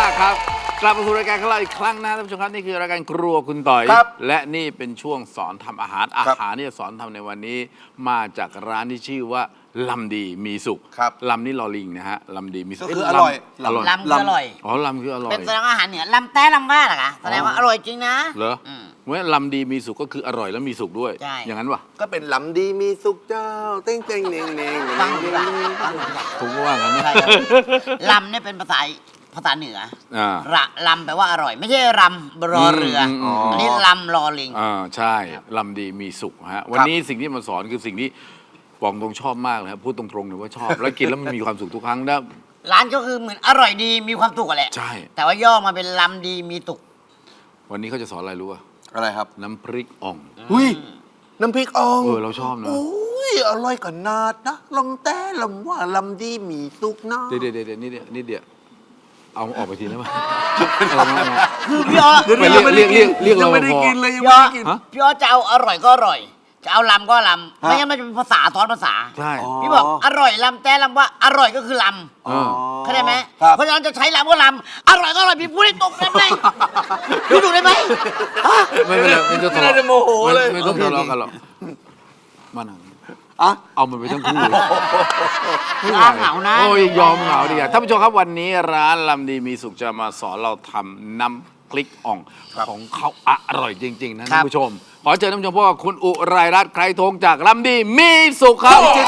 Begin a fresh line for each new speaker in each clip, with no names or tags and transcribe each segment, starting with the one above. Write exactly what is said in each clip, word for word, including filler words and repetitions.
ครับกลับมาสู่รายการของเราอีกครั้งนะท่านผู้ชมครับนี่คือรายการครัวคุณต่อยและนี่เป็นช่วงสอนทำอาหารอาหารที่จะสอนทำในวันนี้มาจากร้านที่ชื่อว่าลำดีมีสุขลำนี่ลอลิงนะฮะลำดีมีสุข
คืออร่อย
ลำคืออร่อย
อ๋อลำคืออร่อย
เป็นแสดงว่าอาหารเหนือลำแต้ลำว่าเหรอคะแสดงว่าอร่อยจริงนะ
เหรอเมื่อลำดีมีสุขก็คืออร่อยแล้วมีสุขด้วยอย่างนั้นวะ
ก็เป็นลำดีมีสุขเจ้าเต้งเต้งเน่งเน่ง
ฟังดีกว่า
ถูกว่างั้น
ลำเนี่ยเป็นภาษาภาษาเหนือระลำแปลว่าอร่อยไม่ใช่รำรอเรืออันนี้ลำรอลิง
อ่าใช่ลำดีมีสุขฮะวันนี้สิ่งที่มาสอนคือสิ่งที่ปองตรงชอบมากเลยครับพูดตรงๆเลยว่าชอบแล้วกินแล้วมันมีความสุขทุกครั้งนะ
ร้านก็คือเหมือนอร่อยดีมีความสุขแหละ
ใช่
แต่ว่าย่อมาเป็นลำดีมีสุข
วันนี้เขาจะสอนอะไรรู้ป่ะ
อะไรครับ
น้ำพริกอ่อง
อุ้ยน้ำพริกอ่อง
เออเราชอบนะ
อุ้ยอร่อยขนาดนะลำแต่ลำว่าลำดีมีสุขนะ
เดี๋ยวเดี๋ยวเดี๋ยวนี่เดี๋ยวนี่เดี๋ยวเอาออกไปทีได้ไหม
คือพี่อ๋อ
เรียกเรียกเรียกเรียกเรา
ไม่ได้กินเลยยัง
ไม่ได้กินพี่อ๋อจะเอาอร่อยก็อร่อยจะเอาลำก็ลำไม่งั้นมันจะเป็นภาษาซ้อนภาษา
ใช่
พี่บอกอร่อยลำแต่ลำว่าอร่อยก็คือลำเข้าใจไหมเพราะฉะนั้นจะใช้ลำก็ลำอร่อยก็อร่อยพี่พูดให้ตรงกันไหมพี่ดูได้ไหม
ไม่เป็นไรไม่ต้องทะเลาะไม่ต้องทะเลาะกันหรอกมาหนังเอามันไปทั้งคู่
เหงานะ
โอ้ยยอมเหงาดีกว่าท่านผู้ชมครับวันนี้ร้านลำดีมีสุขจะมาสอนเราทำน้ำพริกอ่องของเขาอร่อยจริงๆนะท่านผู้ชมขอเชิญท่านผู้ชมพบกับคุณอุไรรัตน์ไกรทงจากลำดีมีสุขครับสวัสดี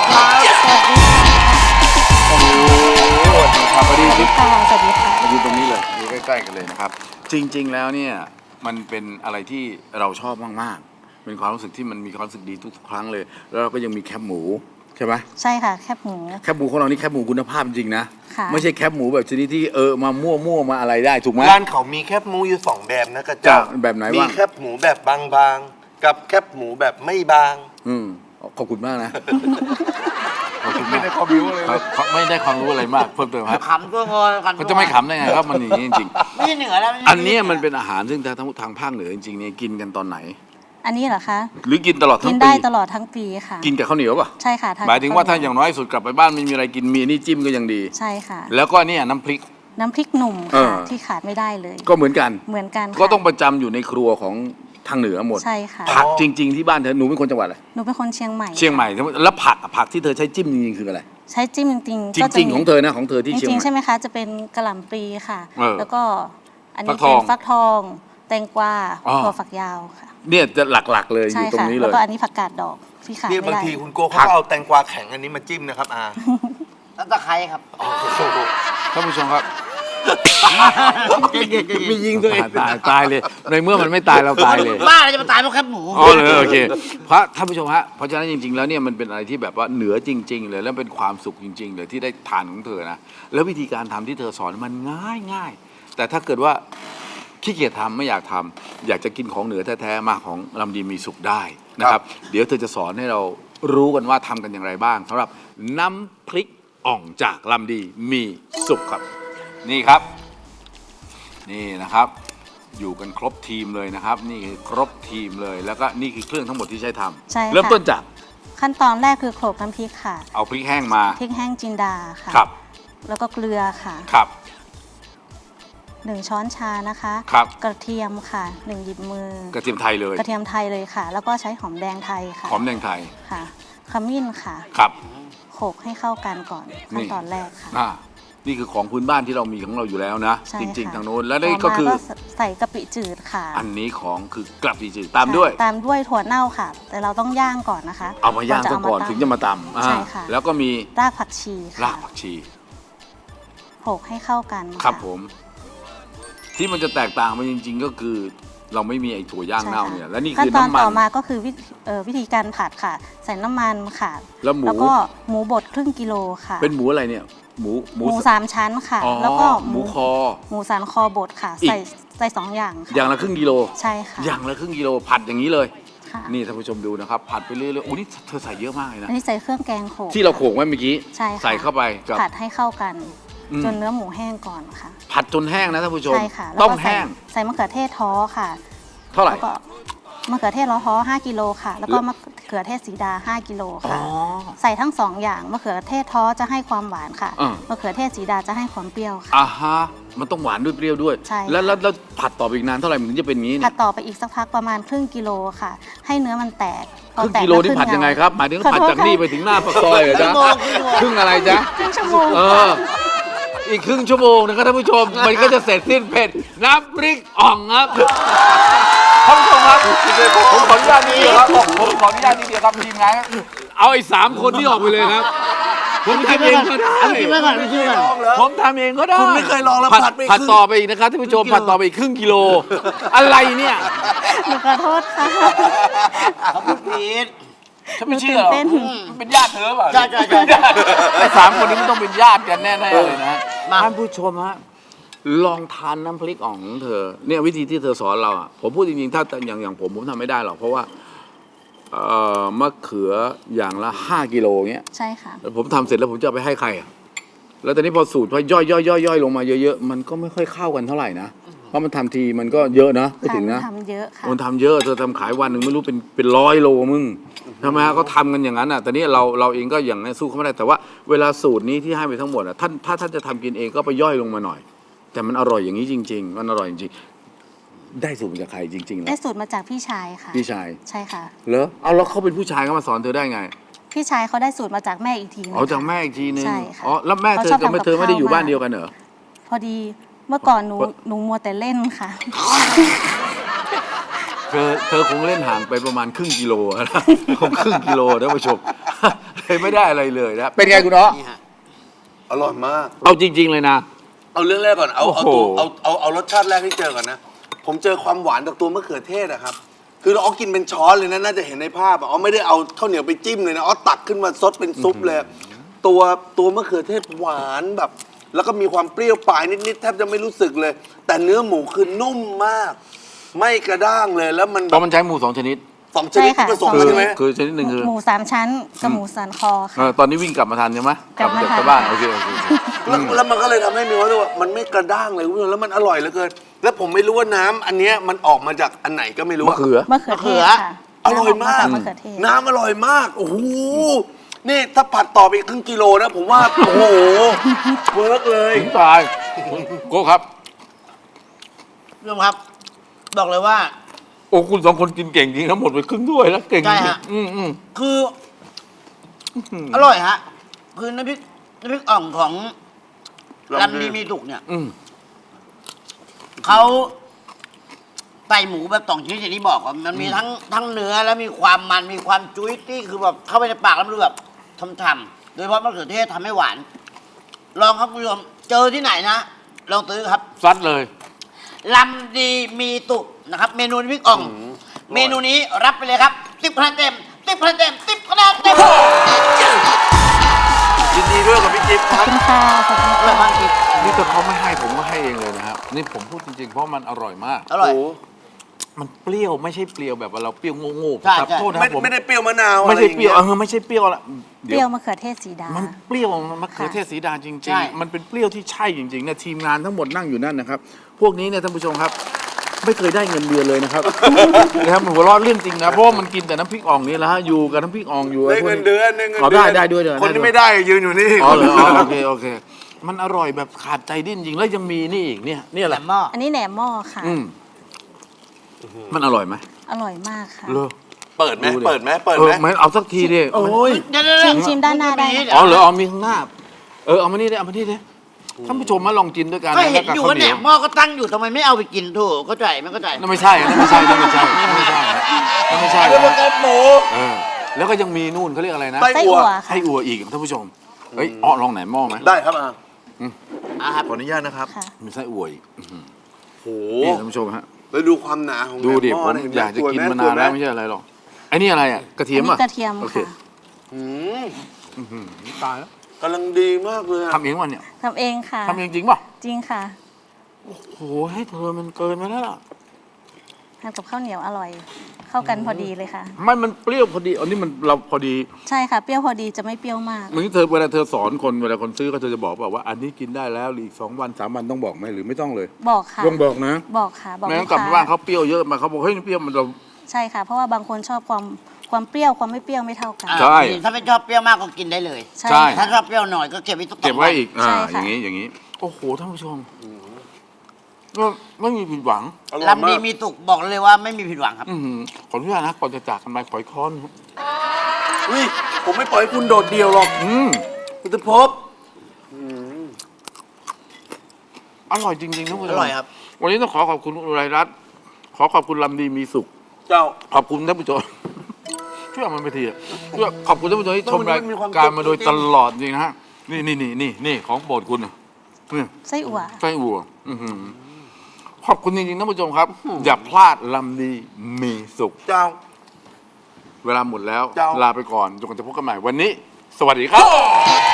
ครับสวัสดีครับสวัสดีค่ะสวัสดีค่ะมาอยู่ตรงนี้เลยอยู่ใกล้ๆกันเลยนะครับจริงๆแล้วเนี่ยมันเป็นอะไรที่เราชอบมากๆเป็นความรู้สึกที่มันมีความรู้สึกดีทุกครั้งเลยแล้วเราก็ยังมีแคบหมูใช่ไหม
ใช่ค่ะแคบหมู
แคบหมูของเรานี่แคบหมูคุณภาพจริงนะไม่ใช่แคบหมูแบบชนิดที่เออมามั่วมั่วมาอะไรได้ถูกไหม
ร้านเขามีแคบหมูอยู่สองแบบนะกระจ่าง
แบบไหน
บ้างมีแคบหมูแบบบางๆกับแคบหมูแบบไม่บาง
อืมขอบคุณมากนะขอบคุณ
ไม่ได้ความรู้เลย
ไม่ได้ความรู้อะไรมากเพิ่มเติมครับ
ขำตัวงอกัน
เขาจะไม่ขำได้ไงครับมันอย่างนี้จริง
ๆไม่เหนือแล้ว
อันนี้มันเป็นอาหารซึ่งทางทางภาคเหนือจริงๆเนี่ยกินกันตอนไหน
อันนี้เหรอคะ
หรือกินตลอดทั้งปี
กินได้ตลอดทั้งปีค่ะ
กินกับข้าวเหนียวป่ะ
ใช่ค่ะ
หมายถึงว่าถ้าอย่างน้อยสุดกลับไปบ้านไม่มีอะไรกินมีนี่จิ้มก็ยังดี
ใช่ค่ะ
แล้วก็เนี่ยน้ำพริก
น้ำพริกหนุ่มค่ะที่ขาดไม่ได้เลย
ก็เหมือนกัน
เหมือนกัน
ก็ต้องประจำอยู่ในครัวของทางเหนือหมด
ใช่ค่ะ
ผักจริงๆที่บ้านเธอหนูเป็นคนจังหวัดอะไร
หนูเป็นคนเชียงใหม่
เชียงใหม่แล้วผักผักที่เธอใช้จิ้มจริงๆคืออะไร
ใช้จิ้มจริง
ๆจริงๆของเธอนะของเธอที่เชียงใหม่
ใช่ไหมคะจะเป็นกะหล่ำปลีค่ะแล้วก็อันนี้เป็นฟักทองแตงกวาถั่วฝักยาวค่ะ
เนี่ยจะหลักๆเลยอยู่ตรงนี้เลย
แล้วก็อันนี้ผักกาดดอกที่ขาดไม่ได้
บางทีคุณโก้เขาเอาแตงกวาแข็งอันนี้มาจิ้มนะครับอา
แล้วตะไคร้ครับ
ท่านผู้ชมครับมียิงตัวเองตายตายเลยในเมื่อมันไม่ตายเราตายเลย
บ้าเราจะมาตายเพราะแคบหมู
อ๋อเลยโอเคเพราะท่านผู้ชมฮะเพราะฉะนั้นจริงๆแล้วเนี่ยมันเป็นอะไรที่แบบว่าเหนือจริงๆเลยแล้วเป็นความสุขจริงๆเลยที่ได้ทานของเธอนะแล้ววิธีการทำที่เธอสอนมันง่ายง่ายแต่ถ้าเกิดว่าขี้เกียจทำไม่อยากทำอยากจะกินของเหนือแท้ๆมาของลำดีมีสุขได้นะครับเดี๋ยวเธอจะสอนให้เรารู้กันว่าทำกันอย่างไรบ้างสำหรับน้ำพริกอ่องจากลำดีมีสุขครับนี่ครับนี่นะครับอยู่กันครบทีมเลยนะครับนี่คือครบทีมเลยแล้วก็นี่คือเครื่องทั้งหมดที่ใช้ทำเริ่มต้นจาก
ขั้นตอนแรกคือโขลกน้ำพริกค่ะ
เอาพริกแห้งมา
พริกแห้งจินดาค่ะ
ครับ
แล้วก็เกลือค่ะ
ครับ
หนึ่งช้อนชานะคะ
ครับ
กระเทียมค่ะหนึ่งหยิบมือก
ระเทียมไทยเลย
กระเทียมไทยเลยค่ะแล้วก็ใช้หอมแดงไทยค่ะ
หอมแดงไทย
ค่ะขมิ้นค่ะ
ครับ
โขลกให้เข้ากันก่อนขั้นตอนแรกค่ะ
นี่คือของพื้นบ้านที่เรามีของเราอยู่แล้วนะจริงๆทางโน้นแล้วนี่ก็คือ
ใส่กะปิจืดค่ะ
อันนี้ของคือกะปิจืดตามด้วย
ตามด้วยถั่วเน่าค่ะแต่เราต้องย่างก่อนนะคะ
เอามาย่างซะก่อนถึงจะมาตำ
ใช่ค่ะ
แล้วก็มี
รากผักชี
รากผักชี
โขลกให้เข้ากัน
ครับผมที่มันจะแตกต่างไปจริงๆก็คือเราไม่มีไอ้ถั่วย่างเน่าเนี่ยและนี่คือน้ำมัน
ต่อมาก็คือวิธีการผัดค่ะใส่น้ำมันค่ะ
แล้วหมู
แล้วก็หมูบดครึ่งกิโลค่ะ
เป็นหมูอะไรเนี่ยหมู
หมูสามชั้นค่ะแล้วก็
หมูคอ
หมูสันคอบดค่ะใส่ใส่สองอย่างค่ะ
อย่างละครึ่งกิโล
ใช่ค่ะ
อย่างละครึ่งกิโลผัดอย่างนี้เลยนี่ท่านผู้ชมดูนะครับผัดไปเรื่อยๆโอ้นี่เธอใส่เยอะมากเลยนะ
อันนี้ใส่เครื่องแกงโขลก
ที่เราโขลกไว้เมื่อกี้
ใช่
ใส่เข้าไป
ผัดให้เข้ากันจนเนื้อหมูแห้งก่อนค่ะ
ผัดจนแห้งนะท่านผู้ชม
ใช่ค่ะ
ต้องแห้ง
ใส่มะเขือเทศท้อค่ะ
เท่าไหร่
ก็มะเขือเทศล้อฮ้อห้ากิโลค่ะ แล้วก็มะเขือเทศสีดาห้ากิโลค่ะ ใส่ทั้งสองอย่างมะเขือเทศท้อจะให้ความหวานค่ะ
อ่าม
ะเขือเทศสีดาจะให้ความเปรี้ยวค่ะ
อ่าฮะมันต้องหวานด้วยเปรี้ยวด้วย
ใช่ค่ะ
แล้วแล้วแล้วผัดต่อไปอีกนานเท่าไหร่มันถึงจะเป็นอย่างนี้
ผั
เนี่
ด
ย
ต่อไปอีกสักพักประมาณครึ่งกิโลค่ะ ให้เนื้อมันแตก
ค
พอ
รึ่ง
แต
กิโลนี่
ขึ้
ผัดยังไงครับหมายถึง
ขอ
ผัด
โทษ
จากนี่
ค่ะ
ไปถึงหน้าปากซอยเหรอจ๊ะ
ครึ่งชั่วโมง
ครึ่งอะไรจ๊ะ
ครึ่งชั่วโมง
เออ อีกครึ่งชั่วโมงนะครับท่านผู้ชม มันก็จะเสร็จสิ้นเผ็ดน้ำพริกอ่องครับท่านผู้ชมครับผมขออนุญาตนิดเดียวครับผมขออนุญาตนิดเดียวครับทีมงานครับเอาไอ้สามคนที่ออกไปเลยครับ ผมทำเองก็ได้
เอากินไว้ก่อนเอากินไว้ก่อน
ลองเหรอ
ผมทำเองก็ได้
คุณไม่เคยลองแล้ว
ผัด
ผัดไม่
ผัด
ขึ้น
ต่อไปอีกนะครับท่านผู้ชมผัดต่อไปอีกครึ่งกิโล อะไรเนี่ย
หนูขอโทษค่ะ
เขาพูดผิด
ฉันไม่เชื่อหรอก
ตื่นเต้น
มันเป็นญาติเธอเปล่า
ใช่ใช่ใช่
ไอ้สามคนนี้มันต้องเป็นญาติกันแน่ๆเลยนะ
มา
ท่านผู้ชมฮะลองทานน้ำพริกอ่องของเธอเนี่ยวิธีที่เธอสอนเราอ่ะผมพูดจริงๆถ้าอย่างอย่างผมผมทำไม่ได้หรอกเพราะว่าเอ่อมะเขืออย่างละห้ากิโลเงี้ย
ใช่ค่ะ
แล้วผมทำเสร็จแล้วผมจะเอาไปให้ใครอ่ะแล้วตอนนี้พอสูตรพอย่อยย่อยย่อยย่อยลงมาเยอะๆมันก็ไม่ค่อยเข้ากันเท่าไหร่นะเพราะมันทำทีมันก็เยอะนะไม่ถึงนะ
ทำเยอะค่ะ
มันทำเยอะเธอทำขายวันหนึ่งไม่รู้เป็นเป็นร้อยโลมึงทำไมฮะก็ทำกันอย่างนั้นอ่ะแต่นี้เราเราเองก็อย่างนั้นสู้เขาไม่ได้แต่ว่าเวลาสูตรนี้ที่ให้ไปทั้งหมดอ่ะท่านถ้าท่านจะทำกินเองก็ไปย่อยลงมาหน่อย แต่มันอร่อยอย่างนี้จริง ๆ มันอร่อยจริงๆได้สูตรมาจากใครจริงๆแล้
ได้
ว
สูตรมาจากพี่ชายค่ะ
พี่ชาย
ใช่ค่ะ
เหรอเอาแล้วเขาเป็นผู้ชายเขามาสอนเธอได้ไง
พี่ชายเขาได้สูตรมาจากแม่อีกทีนึง
อ๋อจาก
ค่ะ
แม่อีกทีนึง
ใช่ค่ะ
อ๋อแล้วแม่เธอ
เขาชอบ
กับแม่
ทำกับ
เธอไม่ได้อยู่
ข้าว
บ้าน
มาก
เดียวกันเหรอ
พอดีเมื่อก่อนหนูหนูมัวแต่เล่นค่ะ
เธอเธอคงเล่นห่างไปประมาณครึ่งกิโลนะ คงครึ่งกิโลท่านผู้ชม เลยไม่ได้อะไรเลยนะเป็นไงคุณเนาะ
นี่ฮะ
อร่อยมาก
เอาจริง ๆ เลยนะ
เอาเรื่องแรกก่อน เอาเอา
โอ้
ตัว
โห
เอาเอาเอารสชาติแรกที่เจอก่อนนะ ผมเจอความหวานจากตัวมะเขือเทศอะครับ คือเราเอากินเป็นช้อนเลยนะ น่าจะเห็นในภาพอะอ๋อไม่ได้เอาข้าวเหนียวไปจิ้มเลยนะอ๋อตักขึ้นมาซดเป็นซุปเลย ตัวตัวมะเขือเทศหวานแบบ แล้วก็มีความเปรี้ยวปลายนิดๆแทบจะไม่รู้สึกเลย แต่เนื้อหมูคือนุ่มมาก ไม่กระด้างเลย แล้วมัน
เพ
แบบ
ราะมันใช้หมูสองชนิด
สองชนิดที่ผสม
คื
กัน
อ
ใช่ไหม
คือชนิดหนึ่งคือ
หมูสามชั้นกับหมูสันคอ
เอ
ค่ะ
อตอนนี้วิ่งกลับมาทันใช่ไหม
กลับมา
จาก
ทัน
ชาวบ้านโอเคโอเคโอเค
แล้วแล้วมันก็เลยทำให้มีความรู้สึกว่ามันไม่กระด้างเลยคุณผู้ชมแล้วมันอร่อยเหลือเกิน แล้วผมไม่รู้ว่าน้ำอันเนี้ยมันออกมาจากอันไหนก็ไม่รู้
มะเขือ
มะเขือเทศค่ะ
อร่อยมาก
น้ำออกมาจากมะเขือเทศ
น้ำอร่อยมาก โอ้โห นี่ถ้าผัดต่อไปอีกครึ่งกิโลนะ ผมว่า โอ้โห เวิร์กเลย
ถึงตายโก้ครับ
พี่ผู้ชมครับ บอกเลยว่า
โอ้คุณสองคนกินเก่งจริงทั้งหมดไปครึ่งถ้วยแล้วเก่งจ
ใช่
ริง
ฮะ
อืมอืม
คืออร่อยฮะ คือน้ำพริกน้ำพริกอ่องของลำดีมีสุกเนี่ย
อืม
เขาไต่หมูแบบสองชนิดอย่างที่บอกว่ามันมีทั้งทั้งเนื้อแล้วมีความมันมีความจุ้ยตี้คือแบบเข้าไปในปากแล้วมันดูแบบช่ำๆโดยเฉพาะมะเขือเทศทำให้หวาน ลองครับคุณผู้ชมเจอที่ไหนนะลองซื้อครับ
ซัดเลย
ลำดีมีตุกนะครับ เมนูน้ำพริกอ่อง เมนูนี้รับไปเลยครับติ๊บคะแนนเต็มติ๊บคะแนนเต็มติ๊บคะแนนเต็ม
ยินดีด้วยกับพี่จิ๊บค
ขอ
รั
บบ คุณค่ะขอบคุณ
อร่อย
ค่ะ
มากจริง
นี่ถ้าเขาไม่ให้ผมก็ให้เองเลยนะครับนี่ผมพูดจริงๆเพราะมันอร่อยมาก
อร่อย
โอ้
มันเปรี้ยวไม่ใช่เปรี้ยวแบบว่าเราเปรี้ยวโง่ๆ
ใช่
ครับ
ใช่
โทษนะ
ไม่
ผม
ไม่ได้เปรี้ยวมะนาว
ไม่ใช่เปรี้ยว
อะ
เอ
ไรอย่างงี้
อไม่ใช่เปรี้ยวละ
เปรี้ยวมะเขือเทศสีดา
มันเปรี้ยวมะเขือเทศสีดาจริง
ใช่
ๆ มันเป็นเปรี้ยวที่ใช่จริงๆเนี่ยทีมงานทั้งหมดนั่งอยู่นั่นนะครับ พวกนี้เนี่ยท่านผู้ชมครับ ไม่เคยได้เงินเดือนเลยนะครับ นะครับหัวเราะเรื่องจริงนะเพราะว่ามันกินแต่น้ำพริกอ่องนี่แหละฮะอยู่กับน้ำพริกอ่องอยู่
ได้เงินเดือนได้เงิน
อ๋อ
เดื
ได้ได้ด้วยเดือน
คนที่
ด้ว
ไม่
ย
ได้ยืนอยู่นี่
อ๋อเหรออ๋อโอเคโอเค มันอร่อยแบบขาดใจดิ้นจริงแล้วยังมีนี่อีกเนี่ยนี่
แห
แห
ล
ละ
มหม้อ
อันนี้แหนมหม้อค่ะ
อืมมันอร่อยไหม
อร่อยมากค่ะ
เลอ
เปิดไหม
ดูดิ
เปิดไหมเปิด
เอ
ไห
อ
ม
ไม่เอาสักทีดิโอ้ย
เดี๋ยวๆๆ
ชิมชิมด้านหน้าได้
เยว
อ๋อเหรอเอามีข้างหน้า เออเอามานี่ดิเอามานี่ดิท่านผู้ชมมาลองกินด้วยกัน
ก็เห็น
แล้ว
อยู่
ข้
ว่าแหน
เห
มหม้อก็ตั้งอยู่ทำไมไม่เอาไปกินถูกเข้าใจไม่เข้าใจ
นั่นไม่ใช่นั่นไม่ใช่นั่นไม่ใช่นั่นไม่ใช่นั่นไม่ใช่
แล้วมัน
นะ
แกงหมู
เออแล้วก็ยังมีนู่นเขาเรียกอะไรนะ
ไส้
ไส้
อั่
อั่
ว
ว
ไส้
ค่ะ
อั่วอีกท่านผู้ชมเฮ้ยอ้อลองไหนหม้อไหม
ได้ครับอ่ะ
อ่ะครับ
ขออนุญาตนะครับ
ค่ะ
มีไส้อั่วอีกอื้อหือ
โอ้
นี่
โห
ท่านผู้ชมฮะ
แล้วดูความหนาของ
ดูดิ
แหน
ผม
หเห็ไห
อยากจะกิน
สวไห
มานานแล้ว
สยไห
ไม่ใช่อะไรหรอกไอ้นี่อะไรอ่ะกระเทีย
อั
ม
นนี้
อ่ะ
กระเทียม
โอเค
ค่ะ
อืม
อื้อหือตายแล้ว
กำลังดีมากเลยอะ
ทำเองวันเนี่ย
ทำเองค่ะ
ทำเองจริงป่ะ
จริงค่ะ
โอ้โหให้เธอมันเกินไปแล้วล่ะ
ทานกับข้าวเหนียวอร่อย เข้ากันพอดีเลยค่ะ
ไม่มันเปรี้ยวพอดีอันนี้มันเราพอดี
ใช่ค่ะ เปรี้ยวพอดีจะไม่เปรี้ยวมาก
เหมือนเธอเวลาเธอสอนคนเวลาคนซื้อก็เธอจะบอกแบบว่า อันนี้กินได้แล้วหรืออีกสองวันสามวันต้องบอกไหมหรือไม่ต้องเลย
บอกค่ะ
ต้องบอกนะ
บอกค่ะ บอก
ไม่
ลู
งั้
ก
นกลับ
ค้า
ไปบ้านเขาเปรี้ยวเยอะมาเขาบอกเฮ้ยเปรี้ยวมันเรา
ใช่ค่ะ เพราะว่าบางคนชอบความความเปรี้ยวความไม่เปรี้ยวไม่เท่ากัน
อ่า
ใช่
ถ้าไม่ชอบเปรี้ยวมากก็กินได้เลย
ใช่
ใช่
ถ้า
ค่ะ
ชอบเปรี้ยวหน่อยก็เก็บไว้สักสอง
เก็บไว้อีก
ใช่
อ่า
ค่ะ
อย่างนี้อย่างนี้ โอ้โหท่านผู้ชมก็ไม่มีผิดหวัง
อร่อย
ลำดี
มาก
มีสุกบอกเลยว่าไม่มีผิดหวังครับ
อื้อหือขออนุญาตนะก่อนจะจากกันไปขอยค้อน
อุ้ยผมไม่ปล่อยให้คุณโดดเดียวหรอก
อืม
คุณจะพบ
อร่อยจริงๆท่านผู้ชม
อร่อยครับ
วันนี้ต้องขอขอบคุณคุณอุไรรัตน์ขอขอบคุณลำดีมีสุข
เจ้า
ขอบคุณท่านผู้ชม ช่วยเอามันไปทีอะช่วยขอบคุณท่านผู้ชมที่ชมราย
มันมีความ
การมาโดย
จริงๆ
ตลอดจริงนะฮะนี่นี่นี่นี่นี่ของโปรดคุณน่ะนี่
ไส้อั่ว
ไส้อั่วอื้อหือขอบคุณจริงๆท่านผู้ชมครับ อย่าพลาดลำดีมีสุข
เจ้า
เวลาหมดแล้ว
เจ้า
ลาไปก่อนจนกว่าจะพบกันใหม่วันนี้ สวัสดีครับ